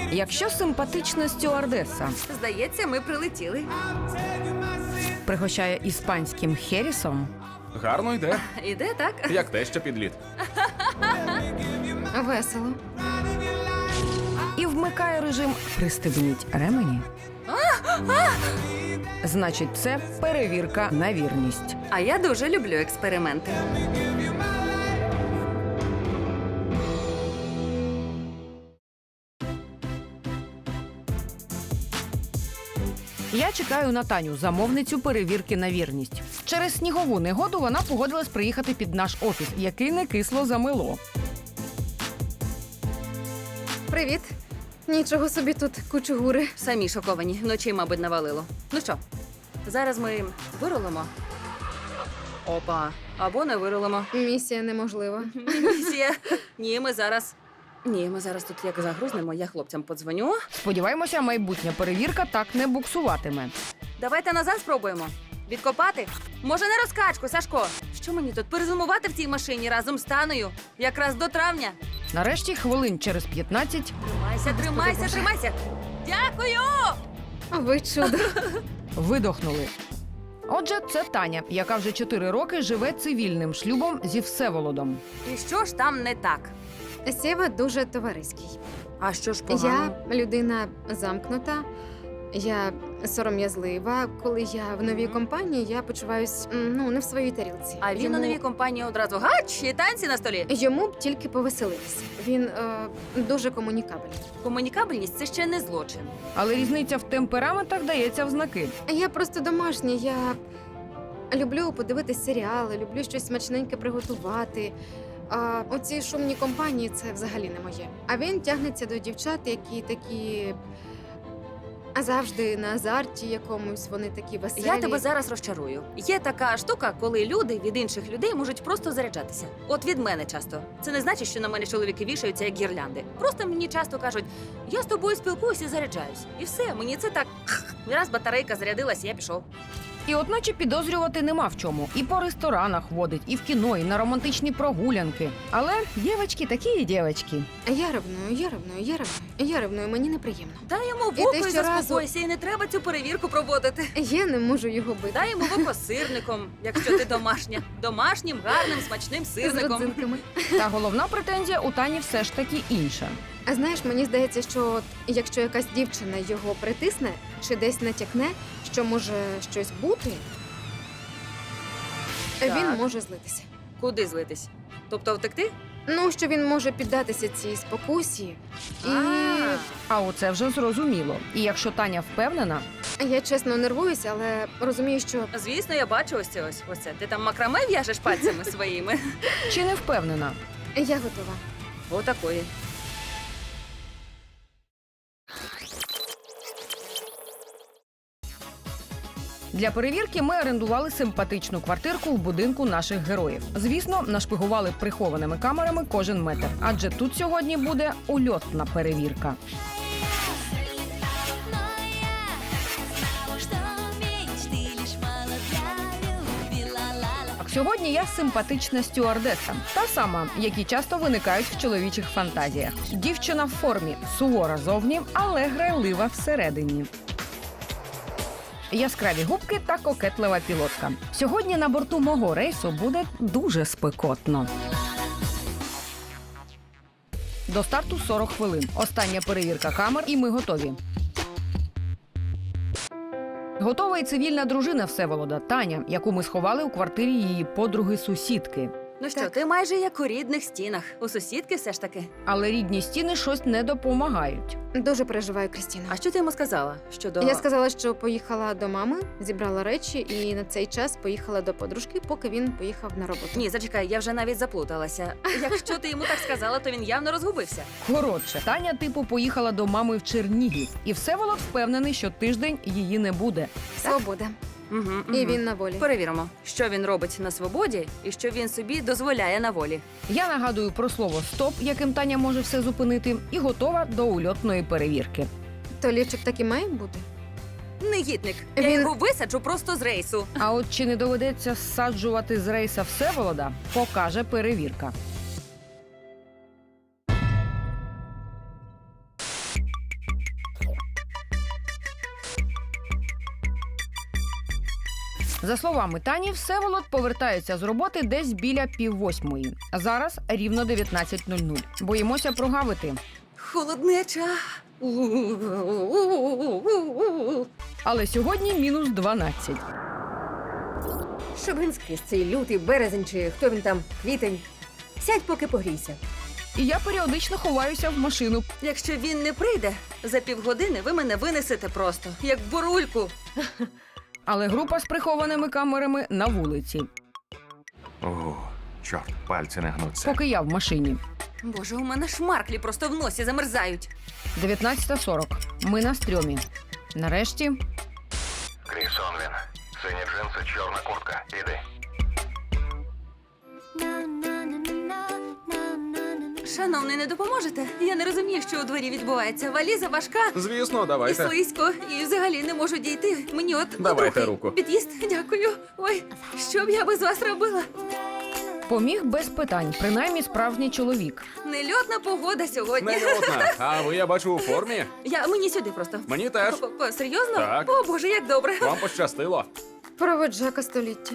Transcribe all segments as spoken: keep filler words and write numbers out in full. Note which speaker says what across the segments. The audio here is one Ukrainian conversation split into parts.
Speaker 1: Якщо симпатична стюардеса
Speaker 2: Здається, ми прилетіли.
Speaker 1: пригощає іспанським херісом,
Speaker 3: Гарно йде,
Speaker 2: Іде, так?
Speaker 3: як те, що підліт.
Speaker 2: Весело.
Speaker 1: і вмикає режим «Пристебніть ремені», значить, це перевірка на вірність.
Speaker 2: А я дуже люблю експерименти.
Speaker 1: Я чекаю на Таню, замовницю перевірки на вірність. Через снігову негоду вона погодилась приїхати під наш офіс, який не кисло замило.
Speaker 4: Привіт. Нічого собі тут кучугури.
Speaker 2: Самі шоковані. Вночі, мабуть, навалило. Ну що, зараз ми вирулимо? Опа. Або не вирулимо.
Speaker 4: Місія неможлива.
Speaker 2: Місія. Ні, ми зараз... Ні, ми зараз тут як загрузнемо, я хлопцям подзвоню.
Speaker 1: Сподіваємося, майбутня перевірка так не буксуватиме.
Speaker 2: Давайте назад спробуємо. Відкопати? Може, на розкачку, Сашко? Що мені тут перезимувати в цій машині разом з Таною? Якраз до травня?
Speaker 1: Нарешті, хвилин через п'ятнадцять,
Speaker 2: Тримайся, тримайся,
Speaker 4: Боже.
Speaker 2: тримайся! Дякую!
Speaker 4: Ви чудо.
Speaker 1: видохнули. Отже, це Таня, яка вже чотири роки живе цивільним шлюбом зі Всеволодом.
Speaker 2: І що ж там не так?
Speaker 4: Сєва дуже товариський.
Speaker 2: А що ж погано?
Speaker 4: Я людина замкнута, я сором'язлива. Коли я в новій компанії, я почуваюсь м, ну, не в своїй тарілці.
Speaker 2: А він
Speaker 4: Йому...
Speaker 2: у новій компанії одразу гач і танці на столі.
Speaker 4: Йому б тільки повеселитися. Він е, дуже комунікабельний.
Speaker 2: Комунікабельність – це ще не злочин.
Speaker 1: Але різниця в темпераментах дається в знаки.
Speaker 4: Я просто домашня, я люблю подивитись серіали, люблю щось смачненьке приготувати. А оці шумні компанії це взагалі не моє. А він тягнеться до дівчат, які такі завжди на азарті якомусь, вони такі веселі.
Speaker 2: Я тебе зараз розчарую. Є така штука, коли люди від інших людей можуть просто заряджатися. От від мене часто. Це не значить, що на мене чоловіки вішаються як гірлянди. Просто мені часто кажуть, я з тобою спілкуюся і заряджаюсь. І все, мені це так. Раз батарейка зарядилась, я пішов.
Speaker 1: І одначе підозрювати нема в чому. І по ресторанах водить, і в кіно, і на романтичні прогулянки. Але дівчатки такі дівчатки.
Speaker 4: Я ревную, я ревную, я ревную, я ревную, мені неприємно.
Speaker 2: Дай йому в
Speaker 4: І
Speaker 2: око
Speaker 4: ти
Speaker 2: і
Speaker 4: щоразу-
Speaker 2: заспокойся, і не треба цю перевірку проводити.
Speaker 4: Я не можу його бити.
Speaker 2: Дай йому в око сирником, якщо ти домашня. Домашнім, гарним, смачним
Speaker 4: З
Speaker 2: сирником.
Speaker 4: родзинками.
Speaker 1: Та головна претензія у Тані все ж таки інша.
Speaker 4: А знаєш, мені здається, що от, якщо якась дівчина його притисне чи десь натякне, що може щось бути,
Speaker 2: Так.
Speaker 4: він може злитися.
Speaker 2: Куди злитись? Тобто втекти?
Speaker 4: Ну, що він може піддатися цій спокусі. І
Speaker 2: А.
Speaker 1: А оце вже зрозуміло. І якщо Таня впевнена,
Speaker 4: я чесно нервуюся, але розумію, що
Speaker 2: Звісно, я бачу ось це ось. Ось це. Ти там макраме в'яжеш пальцями своїми?
Speaker 1: чи не впевнена,
Speaker 4: я готова.
Speaker 2: Отакої.
Speaker 1: для перевірки ми орендували симпатичну квартирку в будинку наших героїв. Звісно, нашпигували прихованими камерами кожен метр, адже тут сьогодні буде ульотна перевірка. Так, сьогодні я симпатична стюардеса, та сама, які часто виникають в чоловічих фантазіях. Дівчина в формі, сувора зовні, але грайлива всередині. Яскраві губки та кокетлива пілотка. Сьогодні на борту мого рейсу буде дуже спекотно. До старту сорок хвилин. Остання перевірка камер, і ми готові. Готова і цивільна дружина Всеволода Таня, яку ми сховали у квартирі її подруги-сусідки.
Speaker 2: Ну що,
Speaker 4: Так.
Speaker 2: ти майже як у рідних стінах. У сусідки все ж таки.
Speaker 1: Але рідні стіни щось не допомагають.
Speaker 4: Дуже переживаю, Крістіна.
Speaker 2: А що ти йому сказала? Щодо...
Speaker 4: Я сказала, що поїхала до мами, зібрала речі і на цей час поїхала до подружки, поки він поїхав на роботу.
Speaker 2: Ні, зачекай, я вже навіть заплуталася. Якщо ти йому так сказала, то він явно розгубився.
Speaker 1: Коротше, Таня типу поїхала до мами в Чернігів. І Всеволод впевнений, що тиждень її не буде.
Speaker 4: Свобода.
Speaker 2: Угу,
Speaker 4: І він на волі.
Speaker 2: Перевіримо, що він робить на свободі і що він собі дозволяє на волі.
Speaker 1: Я нагадую про слово «стоп», яким Таня може все зупинити, і готова до ульотної перевірки.
Speaker 4: То лівчик так і має бути?
Speaker 2: Негідник. Я
Speaker 4: Він-
Speaker 2: його висаджу просто з рейсу.
Speaker 1: А от чи не доведеться зсаджувати з рейса Всеволода, покаже перевірка. За словами Тані, Всеволод повертається з роботи десь біля піввосьмої. Зараз рівно дев'ятнадцять нуль нуль. Боїмося прогавити.
Speaker 2: Холоднеча.
Speaker 1: Але сьогодні мінус дванадцять.
Speaker 5: Щоб він скрізь цей лютий березень чи хто він там, квітень. Сядь, поки погрійся.
Speaker 1: І я періодично ховаюся в машину.
Speaker 2: Якщо він не прийде, за півгодини ви мене винесете просто, як бурульку.
Speaker 1: Але група з прихованими камерами на вулиці.
Speaker 3: О, чорт, пальці не гнуться.
Speaker 1: Поки я в машині.
Speaker 2: Боже, у мене шмарклі просто в носі замерзають.
Speaker 1: дев'ятнадцята сорок. Ми на стрьомі. Нарешті
Speaker 6: Кріс Онвін. Сині джинси, чорна куртка. Іди.
Speaker 2: Шановний, не допоможете? Я не розумію, що у дворі відбувається. Валіза важка
Speaker 3: Звісно,
Speaker 2: і
Speaker 3: давайте.
Speaker 2: слизько, і взагалі не можу дійти. Мені от
Speaker 3: Давайте
Speaker 2: трохи
Speaker 3: руку.
Speaker 2: під'їзд. Дякую. Ой, що б я без вас робила?
Speaker 1: поміг без питань, принаймні справжній чоловік.
Speaker 2: Нельотна погода сьогодні.
Speaker 3: Нельотна. А ви, я бачу, у формі?
Speaker 2: Я мені сюди просто.
Speaker 3: Мені теж.
Speaker 2: П-п-п, Серйозно?
Speaker 3: Так.
Speaker 2: О, Боже, як добре.
Speaker 3: Вам пощастило.
Speaker 4: Проводжака століття.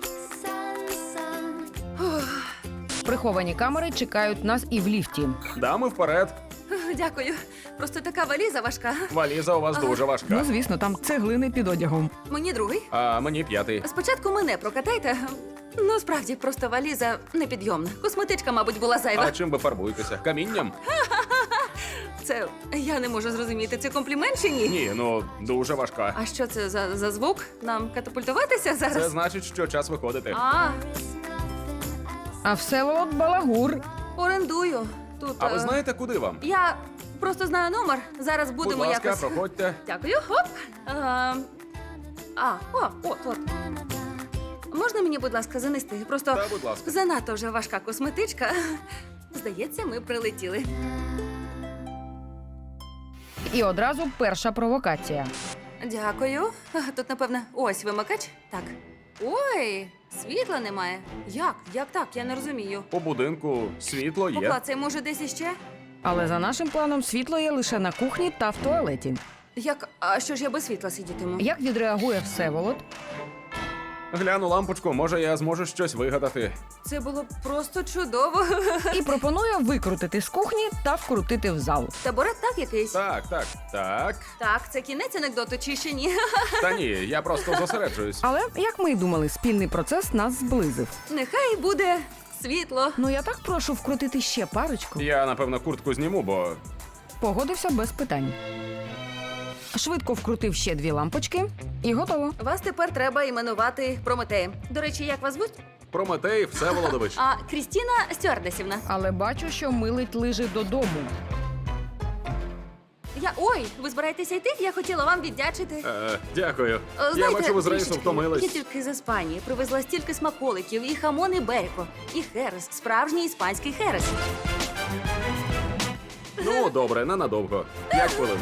Speaker 1: Приховані камери чекають нас і в ліфті.
Speaker 3: Дами вперед.
Speaker 2: Дякую. Просто така валіза важка.
Speaker 3: Валіза у вас
Speaker 2: Ага.
Speaker 3: дуже
Speaker 1: Ну,
Speaker 3: важка.
Speaker 1: звісно, там цеглини під одягом.
Speaker 2: Мені другий.
Speaker 3: А мені п'ятий.
Speaker 2: Спочатку мене прокатайте. Ну, справді, просто валіза непідйомна. Косметичка, мабуть, була зайва.
Speaker 3: А чим ви фарбуєтеся? Камінням?
Speaker 2: Це я не можу зрозуміти. Це комплімент чи ні?
Speaker 3: Ні, ну дуже важка.
Speaker 2: А що це за, за звук? Нам катапультуватися зараз?
Speaker 3: Це значить, що час виходити.
Speaker 2: А,
Speaker 1: А Всеволод балагур.
Speaker 2: орендую. Тут.
Speaker 3: А ви
Speaker 2: е,
Speaker 3: знаєте, куди вам?
Speaker 2: Я просто знаю номер. Зараз будемо
Speaker 3: Будь ласка,
Speaker 2: якось.
Speaker 3: проходьте.
Speaker 2: Дякую. Хоп. А, а, о, от, от. Можна мені, будь ласка, занести? Просто
Speaker 3: Та, будь ласка.
Speaker 2: занадто вже важка косметичка. Здається, ми прилетіли.
Speaker 1: І одразу перша провокація.
Speaker 2: Дякую. А, Тут, напевно, ось вимикач. Так. Ой, світла немає. Як? Як так? Я не розумію.
Speaker 3: По будинку світло є.
Speaker 2: Поклацай, може, десь іще?
Speaker 1: Але за нашим планом світло є лише на кухні та в туалеті.
Speaker 2: Як? А що ж я без світла сидітиму?
Speaker 1: Як відреагує Всеволод?
Speaker 3: Гляну лампочку, може я зможу щось вигадати.
Speaker 2: Це було просто чудово.
Speaker 1: І пропонує викрутити з кухні та вкрутити в зал.
Speaker 2: Табурет так якийсь?
Speaker 3: Так, так, так.
Speaker 2: Так, це кінець анекдоту чи ще ні?
Speaker 3: Та ні, я просто зосереджуюсь.
Speaker 1: Але, як ми й думали, спільний процес нас зблизив.
Speaker 2: Нехай буде світло.
Speaker 1: Ну я так прошу вкрутити ще парочку.
Speaker 3: Я, напевно, куртку зніму, бо
Speaker 1: Погодився без питань. Швидко вкрутив ще дві лампочки і готово.
Speaker 2: Вас тепер треба іменувати Прометеєм. До речі, як вас звуть?
Speaker 3: Прометей Всеволодович.
Speaker 2: А Крістіна Стюардесівна.
Speaker 1: Але бачу, що милить лижи додому.
Speaker 2: Я ой, ви збираєтеся йти? Я хотіла вам віддячити.
Speaker 3: Е, дякую.
Speaker 2: Е,
Speaker 3: Я
Speaker 2: знаєте,
Speaker 3: бачу, ви з рейсу
Speaker 2: трішечки.
Speaker 3: втомились.
Speaker 2: Я тільки з Іспанії привезла стільки смаколиків, і хамон, і беріко, і херес, справжній іспанський херес.
Speaker 3: Ну, добре, ненадовго. П'ять хвилин.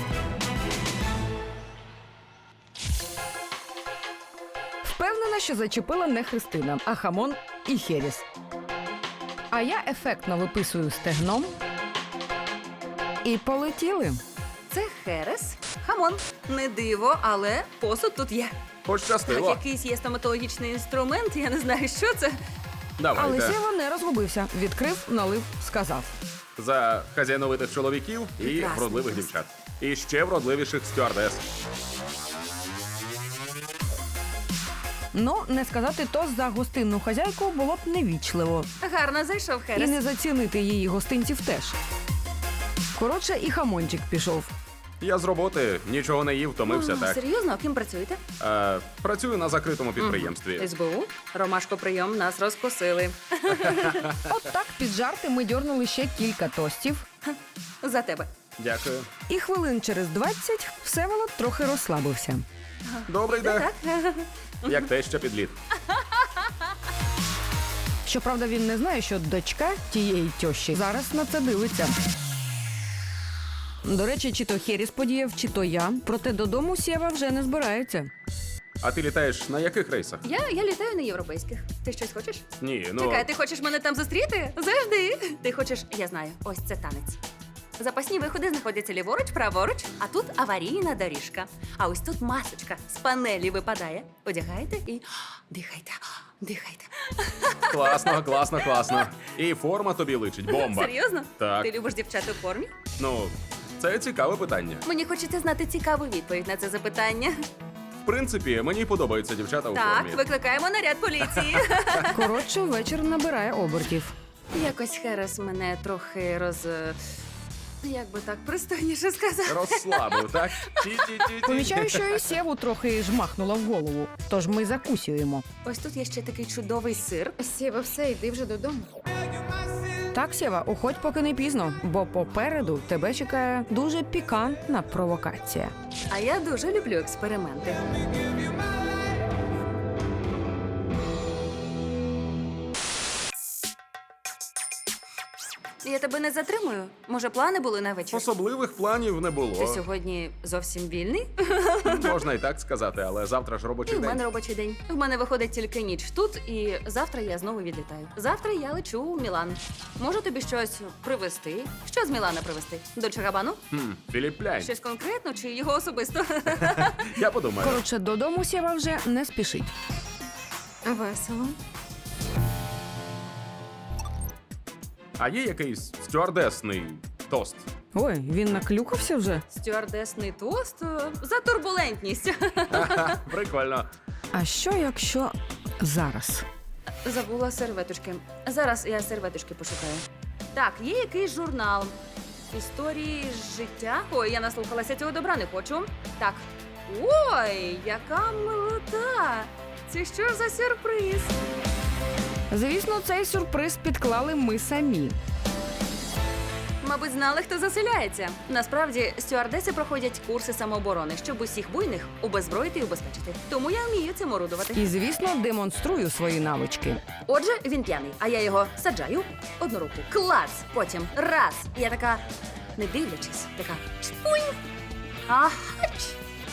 Speaker 1: Впевнена, що зачепила не Христина, а хамон і херіс. А я ефектно виписую стегном. І полетіли.
Speaker 2: Це херес, хамон. Не диво, але посуд тут є. Так,
Speaker 3: Пощастило.
Speaker 2: якийсь є стоматологічний інструмент, я не знаю, що це.
Speaker 1: Але
Speaker 3: Давайте.
Speaker 1: Сєва не розгубився. Відкрив, налив, сказав.
Speaker 3: За хазяйновитих чоловіків і
Speaker 2: Прекрасно.
Speaker 3: вродливих дівчат. І ще вродливіших стюардес.
Speaker 1: Ну, не сказати то за гостинну хазяйку було б невічливо.
Speaker 2: Гарно зайшов
Speaker 1: І
Speaker 2: херес.
Speaker 1: не зацінити її гостинців теж. Коротше, і хамончик пішов.
Speaker 3: Я з роботи нічого не їв, втомився
Speaker 2: О,
Speaker 3: так.
Speaker 2: Серйозно, ким працюєте?
Speaker 3: Е, працюю на закритому підприємстві.
Speaker 2: СБУ. Ромашко прийом, нас розкусили.
Speaker 1: От так під жарти ми дьорнули ще кілька тостів.
Speaker 2: За тебе.
Speaker 3: Дякую.
Speaker 1: І хвилин через двадцять Всеволод трохи розслабився.
Speaker 3: Добре йде.
Speaker 2: Так?
Speaker 3: Як те, що підліт.
Speaker 1: Щоправда, він не знає, що дочка тієї тьощі зараз на це дивиться. До речі, чи то Херіс подіяв, чи то я. Проте додому Сєва вже не збирається.
Speaker 3: А ти літаєш на яких рейсах?
Speaker 2: Я, я літаю на європейських. Ти щось хочеш?
Speaker 3: Ні, ну
Speaker 2: Чекай, ти хочеш мене там зустріти? Завжди. Ти хочеш, я знаю, ось це танець. Запасні виходи знаходяться ліворуч, праворуч, а тут аварійна доріжка. А ось тут масочка з панелі випадає. Одягаєте і дихайте, дихайте.
Speaker 3: Класно, класно, класно. І форма тобі личить, бомба.
Speaker 2: Серйозно?
Speaker 3: Так.
Speaker 2: Ти любиш дівчат у формі?
Speaker 3: Ну, це цікаве питання.
Speaker 2: Мені хочеться знати цікаву відповідь на це запитання.
Speaker 3: В принципі, мені подобаються дівчата у
Speaker 2: Так,
Speaker 3: формі.
Speaker 2: викликаємо наряд поліції.
Speaker 1: Коротше, вечір набирає обертів.
Speaker 2: Якось Херес мене трохи роз... Як би так пристойніше сказати?
Speaker 3: Розслабив, так? Ті-ті-ті-ті.
Speaker 1: Помічаю, що і Сєву трохи жмахнула в голову. Тож ми закусюємо.
Speaker 2: Ось тут є ще такий чудовий сир.
Speaker 4: Сєва, все, йди вже додому.
Speaker 1: Так, Сєва, уходь, поки не пізно, бо попереду тебе чекає дуже пікантна провокація.
Speaker 2: А я дуже люблю експерименти. Я тебе не затримую. Може, плани були на вечір?
Speaker 3: Особливих планів не
Speaker 2: Ти
Speaker 3: було.
Speaker 2: сьогодні зовсім вільний?
Speaker 3: Можна і так сказати, але завтра ж
Speaker 2: І
Speaker 3: робочий
Speaker 2: в мене
Speaker 3: день.
Speaker 2: робочий день. В мене виходить тільки ніч тут, і завтра я знову відлітаю. Завтра я лечу у Мілан. Можу тобі щось привезти? Що з Мілана привезти? Дольче Габану?
Speaker 3: Хм, Філіп Пляйн.
Speaker 2: Щось конкретно чи його особисто?
Speaker 3: Я подумаю.
Speaker 1: Коротше, додому Сєва вже не спішить.
Speaker 4: Весело.
Speaker 3: А є якийсь стюардесний тост?
Speaker 1: Ой, він наклюкався вже.
Speaker 2: Стюардесний тост е, за турбулентність.
Speaker 3: Ха-ха, прикольно.
Speaker 1: А що якщо зараз?
Speaker 2: Забула серветочки. Зараз я серветочки пошукаю. Так, є якийсь журнал. Історії з життя. Ой, я наслухалася цього добра, не хочу. Так. Ой, яка милота! Це що за сюрприз?
Speaker 1: Звісно, цей сюрприз підклали ми самі.
Speaker 2: Мабуть, знали, хто заселяється. Насправді, стюардеси проходять курси самооборони, щоб усіх буйних обезброїти і убезпечити. Тому я вмію цим орудувати.
Speaker 1: І, звісно, демонструю свої навички.
Speaker 2: Отже, він п'яний, а я його саджаю одну руку. Клац! Потім раз. І я така, не дивлячись, така чпунь. Агач.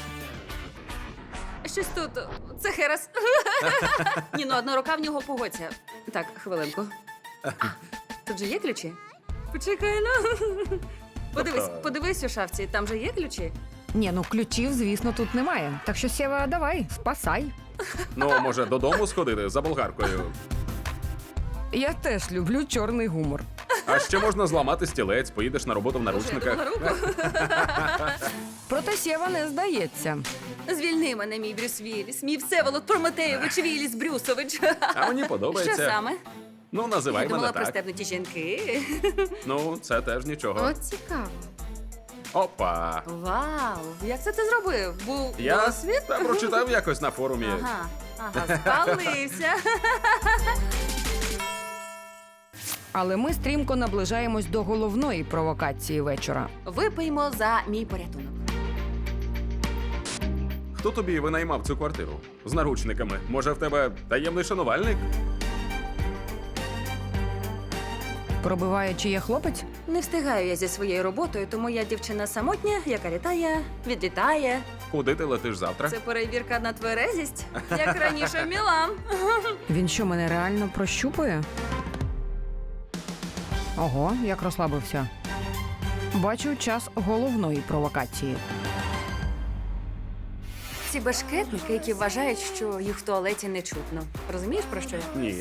Speaker 2: Щось тут. Це Херес. Ні, ну одна рука в нього погодься. Так, хвилинку. Тут же є ключі? Почекай, ну. Подивись,
Speaker 3: Тобто-
Speaker 2: подивись у шафці, там же є ключі.
Speaker 1: Ні, ну ключів, звісно, тут немає. Так що, Сєва, давай, спасай.
Speaker 3: Ну, може, додому сходити за болгаркою.
Speaker 1: Я теж люблю чорний гумор.
Speaker 3: А ще можна зламати стілець, поїдеш на роботу в
Speaker 2: Боже, я
Speaker 3: наручниках.
Speaker 2: думала, руку.
Speaker 1: Проте Сєва не здається.
Speaker 2: Звільни мене, мій Брюс Вілліс, мій Всеволод Прометейович Вілліс Брюсович.
Speaker 3: А мені
Speaker 2: Що
Speaker 3: подобається.
Speaker 2: саме?
Speaker 3: Ну,
Speaker 2: Я
Speaker 3: називай
Speaker 2: думала,
Speaker 3: мене так.
Speaker 2: пристебнуті жінки.
Speaker 3: Ну, це теж нічого.
Speaker 4: От цікаво.
Speaker 3: Опа.
Speaker 2: Вау, як це ти зробив? Був
Speaker 3: Я
Speaker 2: досвід?
Speaker 3: та прочитав якось на форумі.
Speaker 2: Ага, ага, спалився.
Speaker 1: Але ми стрімко наближаємось до головної провокації вечора.
Speaker 2: Випиймо за мій порятунок.
Speaker 3: Хто тобі винаймав цю квартиру? З наручниками. Може, в тебе таємний шанувальник?
Speaker 1: Пробиває, чи є хлопець?
Speaker 2: Не встигаю я зі своєю роботою, тому я дівчина самотня, яка літає, відлітає.
Speaker 3: Куди ти летиш завтра?
Speaker 2: Це перевірка на тверезість, як раніше в Мілан.
Speaker 1: Він що, мене реально прощупує? Ого, як розслабився. Бачу час головної провокації.
Speaker 2: Ці башкетники, які вважають, що їх в туалеті не чутно. Розумієш, про що я?
Speaker 3: Ні.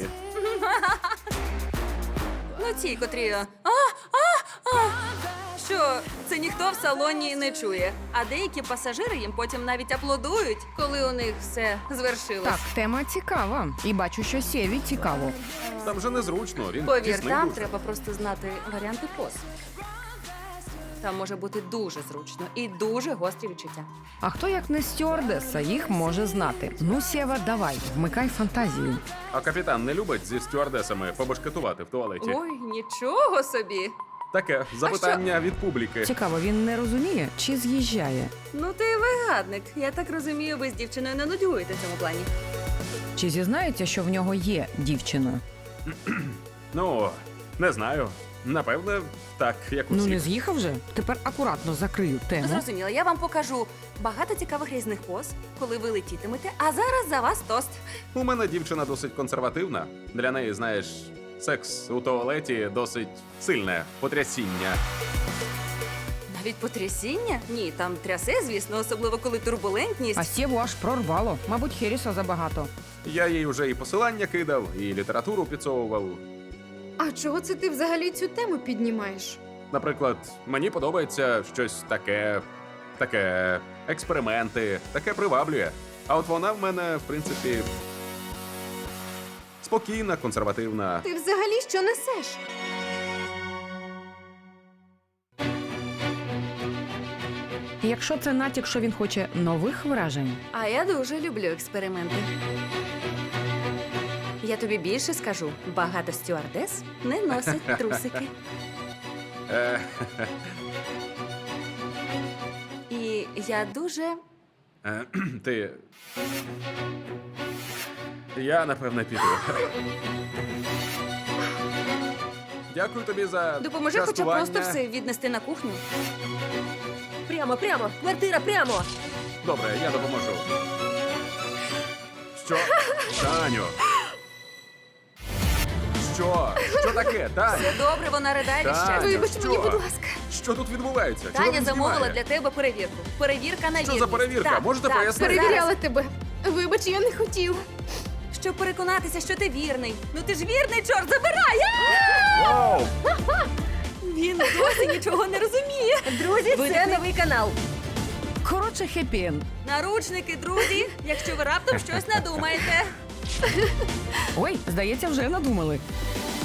Speaker 2: Ну, ці, котрі. А, а, а. Що це ніхто в салоні не чує. А деякі пасажири їм потім навіть аплодують, коли у них все звершилось.
Speaker 1: Так, тема цікава. І бачу, що Сєві цікаво.
Speaker 3: Там же незручно, він
Speaker 2: Повір,
Speaker 3: тісний
Speaker 2: там
Speaker 3: дуже.
Speaker 2: треба просто знати варіанти поз. Там може бути дуже зручно і дуже гострі відчуття.
Speaker 1: А хто, як не стюардеса, їх може знати? Ну, Сєва, давай, вмикай фантазію.
Speaker 3: А капітан не любить зі стюардесами побашкетувати в туалеті?
Speaker 2: Ой, нічого собі.
Speaker 3: Таке запитання від публіки.
Speaker 1: Цікаво, він не розуміє чи з'їжджає?
Speaker 2: Ну ти вигадник. Я так розумію, ви з дівчиною не нудьгуєте в цьому плані.
Speaker 1: Чи зізнається, що в нього є дівчина?
Speaker 3: Ну, не знаю. Напевне, так, як усі.
Speaker 1: Ну не з'їхав же? Тепер акуратно закрию тему.
Speaker 2: Зрозуміло, я вам покажу багато цікавих різних поз, коли ви летітимете. А зараз за вас тост.
Speaker 3: У мене дівчина досить консервативна. Для неї, знаєш, секс у туалеті досить сильне потрясіння.
Speaker 2: Від потрясіння? Ні, там трясе, звісно, особливо коли турбулентність.
Speaker 1: А Сєву аж прорвало. Мабуть, Херіса забагато.
Speaker 3: Я їй вже і посилання кидав, і літературу підсовував.
Speaker 4: А чого це ти взагалі цю тему піднімаєш?
Speaker 3: Наприклад, мені подобається щось таке, таке, експерименти, таке приваблює. А от вона в мене, в принципі, спокійна, консервативна.
Speaker 4: Ти взагалі що несеш?
Speaker 1: І якщо це натяк, що він хоче нових вражень,
Speaker 2: А я дуже люблю експерименти. Я тобі більше скажу: багато стюардес не носять трусики.
Speaker 3: Е,
Speaker 2: І я дуже.
Speaker 3: е, ти. Я, напевне, піду. Дякую тобі за
Speaker 2: Допоможи хоча б
Speaker 3: частування.
Speaker 2: просто все віднести на кухню.
Speaker 5: Прямо, прямо, квартира, прямо.
Speaker 3: Добре, я допоможу. Що? Таню! Що? Що таке, Таня?
Speaker 2: Все добре, вона ридає від
Speaker 3: Таня,
Speaker 2: щастя.
Speaker 4: Вибач
Speaker 3: що?
Speaker 4: мені, будь ласка.
Speaker 3: Що тут відбувається? Чого
Speaker 2: Таня
Speaker 3: він
Speaker 2: замовила
Speaker 3: знімає?
Speaker 2: для тебе перевірку. Перевірка на
Speaker 3: Що за
Speaker 2: вірність.
Speaker 3: перевірка?
Speaker 2: Так,
Speaker 3: Можете
Speaker 2: так,
Speaker 3: пояснити?
Speaker 2: зараз.
Speaker 4: Перевіряла тебе. Вибач, я не хотіла.
Speaker 2: Щоб переконатися, що ти вірний. Ну ти ж вірний, чорт, забирай!
Speaker 3: Вау!
Speaker 2: Він досі нічого не розуміє.
Speaker 5: Друзі,
Speaker 2: Ви
Speaker 5: це
Speaker 2: не-
Speaker 5: новий канал.
Speaker 1: коротше, хеппі-енд.
Speaker 2: Наручники, друзі, якщо ви раптом щось надумаєте.
Speaker 1: Ой, здається, вже надумали.